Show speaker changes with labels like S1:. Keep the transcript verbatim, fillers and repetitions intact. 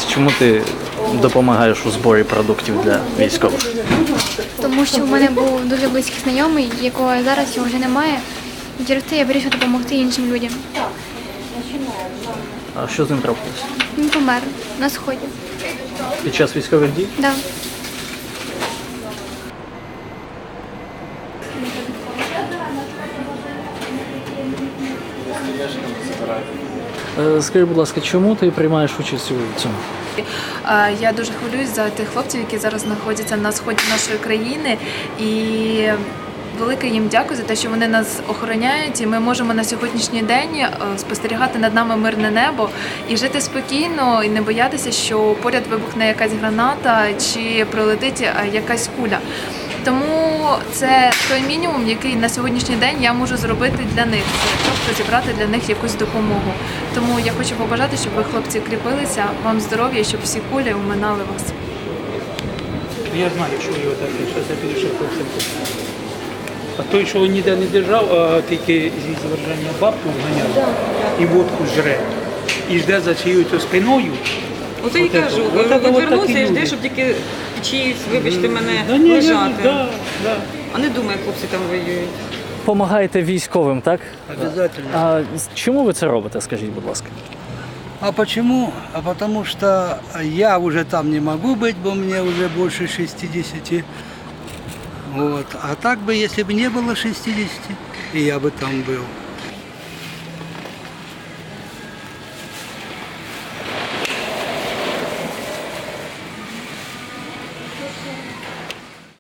S1: сподобалось? Чому ти допомагаєш у зборі продуктів для військових?
S2: Тому що в мене був дуже близький знайомий, якого зараз його вже немає. І через це я вирішила допомогти іншим людям.
S1: А що з ним трапилося?
S2: Він помер на сході.
S1: Під час військових дій?
S2: Да.
S1: Е, Скажи, будь ласка, чому ти приймаєш участь у цьому?
S3: Я дуже хвилююсь за тих хлопців, які зараз знаходяться на сході нашої країни, і велике їм дякую за те, що вони нас охороняють, і ми можемо на сьогоднішній день спостерігати над нами мирне небо і жити спокійно, і не боятися, що поряд вибухне якась граната чи прилетить якась куля. Тому це той мінімум, який на сьогоднішній день я можу зробити для них. Це просто зібрати для них якусь допомогу. Тому я хочу побажати, щоб ви, хлопці, кріпилися, вам здоров'я, щоб всі кулі оминали вас.
S4: Я знаю, що його так, зараз я піду ще хлопцям. А той, що ніде не держав, а тільки зі зверження бабку вганяв і водку жре. І жде за чиєю спиною.
S5: Оце і кажу, відвернувся і жде, щоб тільки чиїсь, вибачте мене,
S4: Да, ні,
S5: лежати.
S4: да, да.
S5: А не думає, хлопці там воюють.
S1: Помагаєте військовим, так?
S6: Обязательно.
S1: А чому ви це робите, скажіть, будь ласка?
S6: А почему? А потому что я уже там не могу быть, бо мне уже больше шестидесяти. Вот. А так бы, если бы не было шестидесяти, и я бы там был.